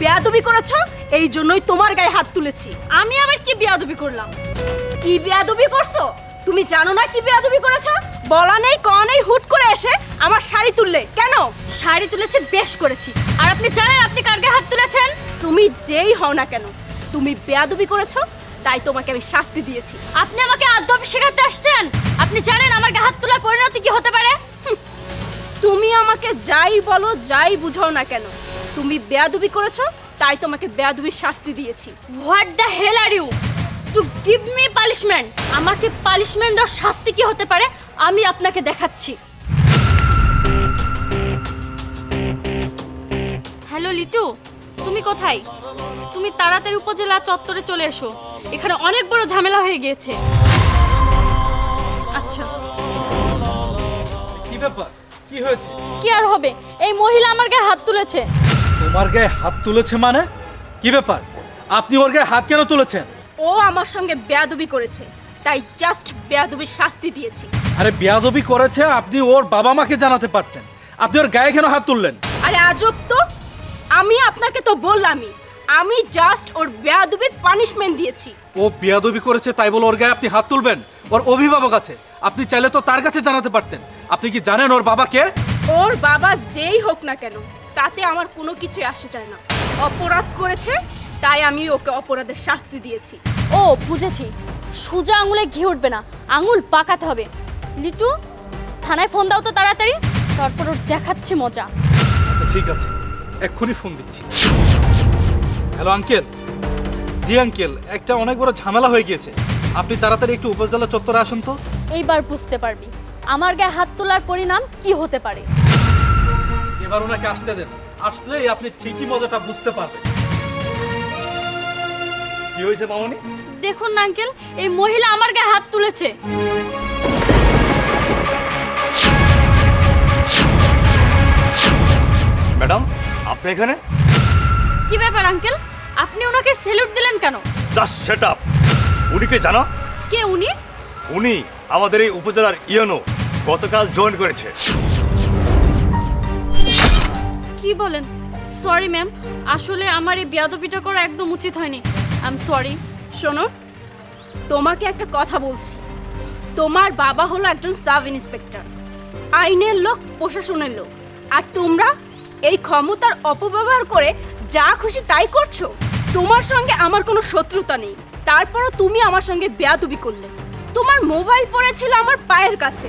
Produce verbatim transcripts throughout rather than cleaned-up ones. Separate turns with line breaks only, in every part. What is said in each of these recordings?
বেয়াদবি করেছো, এই জন্যই তোমার গায়ে হাত তুলেছি।
আমি আবার কি বেয়াদবি করলাম?
কি বেয়াদবি করছো? তুমি জানো না কি বেয়াদবি করেছো? বলা নেই কওয়া নেই হুট করে এসে আমার শাড়ি তুললে কেন?
শাড়ি তুলেছে বেশ করেছি। আর আপনি জানেন আপনি কার গায়ে হাত তুলেছেন?
তুমি যেই হও না কেন, তুমি বেয়াদবি করেছো, তাই তোমাকে আমি শাস্তি দিয়েছি।
আপনি আমাকে আদব শেখাতে আসছেন? আপনি জানেন আমার গায়ে হাত তোলার পরিণতি কি হতে পারে?
তুমি আমাকে যাই বলো যাই বুঝাও না কেন, তুমি বেয়াদবি করেছো, তাই তোমাকে বেয়াদবির শাস্তি দিয়েছি।
What the hell are you to give me punishment? আমাকে পানিশমেন্ট দেওয়ার শাস্তি কি হতে পারে আমি আপনাকে দেখাচ্ছি। হ্যালো লিটু, তুমি কোথায়? তুমি তাড়াতাড়ি উপজেলা চত্বরে চলে এসো, এখানে অনেক বড় ঝামেলা হয়ে গিয়েছে। আচ্ছা।
কি ব্যাপার, কি হয়েছে?
কি আর হবে, এই মহিলা আমার গায়ে হাত তুলেছে।
তোমার গায়ে হাত তুলেছে মানে? কি ব্যাপার, আপনি ওর গায়ে হাত কেন তুলেছেন?
ও আমার সঙ্গে বেয়াদবি করেছে, তাই জাস্ট বেয়াদবির শাস্তি দিয়েছি।
আরে বেয়াদবি করেছে, আপনি ওর বাবা মাকে জানাতে পারতেন। আপনি ওর গায়ে কেন হাত তুললেন?
আরে আজব তো, আমি আপনাকে তো বললামই, আমি জাস্ট ওর বেয়াদবির পানিশমেন্ট দিয়েছি।
ও বেয়াদবি করেছে তাই বলে ওর গায়ে আপনি হাত তুলবেন? ওর অভিভাবক আছে, আপনি চাইলে তো তার কাছে জানাতে পারতেন। আপনি কি জানেন ওর বাবা কে?
ওর বাবা যেই হোক না কেন, তাতে আমার কোনো কিছুই আসে যায় না। অপরাধ করেছে, তাই আমি ওকে অপরাধের শাস্তি দিয়েছি।
ও বুঝেছি, সোজা আঙুলে ঘি উঠবে না, আঙুল পাকাতে হবে। লিটু, থানায় ফোন দাও তো তাড়াতাড়ি, তারপর ওর দেখাচ্ছি মজা।
আচ্ছা ঠিক আছে, এক্ষুনি ফোন দিচ্ছি। Hello uncle. জি আঙ্কেল, একটা অনেক বড় ঝামেলা হয়ে গিয়েছে, আপনি তাড়াতাড়ি একটু উপজেলা চত্বরে আসুন তো।
এইবার বুঝতে পারবি আমার গায়ে হাত তোলার পরিণাম কি হতে পারে।
এবার ওনাকে আসতে দেন, আসলেই আপনি ঠিকই মজাটা বুঝতে পারবেন। কি হয়েছে মামনি?
দেখুন না আঙ্কেল, এই মহিলা আমার গায়ে হাত তুলেছে।
ম্যাডাম, আপনি এখানে?
কি ব্যাপার আঙ্কেল, আপনি ওনাকে স্যালুট দিলেন কেন?
Just shut up. উনিকে জানো?
কে উনি?
উনি আমাদের এই উপজেলার ইউনো, গতকাল জয়েন করেছে।
কি বলেন? সরি ম্যাম, আসলে আমার এই বেয়াদবিটা করা একদম উচিত হয়নি। I am sorry.
শোনো, তোমাকে একটা কথা বলছি, তোমার বাবা হলো একজন সাব ইন্সপেক্টর, আইনের লোক, প্রশাসনের লোক, আর তোমরা এই ক্ষমতার অপব্যবহার করে যা খুশি তাই করছো। তোমার সঙ্গে আমার কোনো শত্রুতা নেই, তারপরও তুমি আমার সঙ্গে বেয়াদবি করলে। তোমার মোবাইল পড়েছিল আমার পায়ের কাছে।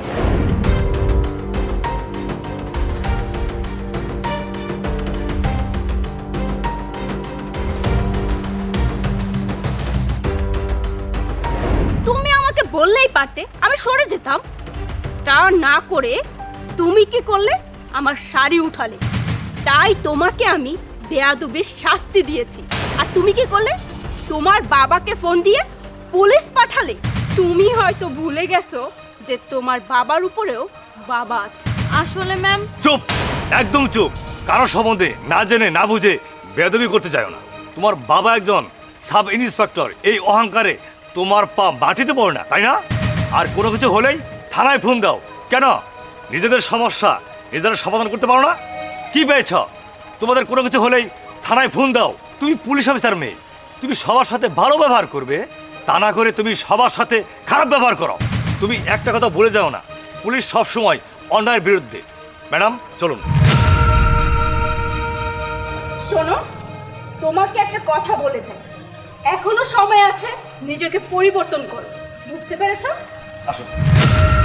তুমি আমাকে বললেই পারতে, আমি সরে যেতাম। তা না করে তুমি কি করলে? আমার শাড়ি উঠালে, তাই তোমাকে আমি বেয়াদবির শাস্তি দিয়েছি। আর তুমি কি করলে? তোমার বাবাকে ফোন দিয়ে পুলিশ পাঠালে। তুমি হয়তো ভুলে গেছো যে তোমার বাবার উপরেও বাবা আছে।
আসলে ম্যাম।
চুপ, একদম চুপ। কারো সম্বন্ধে না জেনে না বুঝে বেয়াদবি করতে চাও না। তোমার বাবা একজন সাব ইন্সপেক্টর, এই অহংকারে তোমার পা মাটিতে পড়ে না, তাই না? আর কোনো কিছু হলেই থানায় ফোন দাও। কেন? নিজেদের সমস্যা নিজেরা সমাধান করতে পারো না? কি পেয়েছ? তোমাদের কোনো কিছু হলেই থানায় ফোন দাও। তুমি পুলিশ অফিসার মেয়ে, তুমি সবার সাথে ভালো ব্যবহার করবে, তা না করে তুমি সবার সাথে খারাপ ব্যবহার করো। তুমি একটা কথা বলে যাও না, পুলিশ সবসময় অন্যায়ের বিরুদ্ধে। ম্যাডাম চলুন।
শোনো, তোমাকে একটা কথা বলে যাই, এখনো সময় আছে, নিজেকে পরিবর্তন করো। বুঝতে পেরেছো?
আসুন।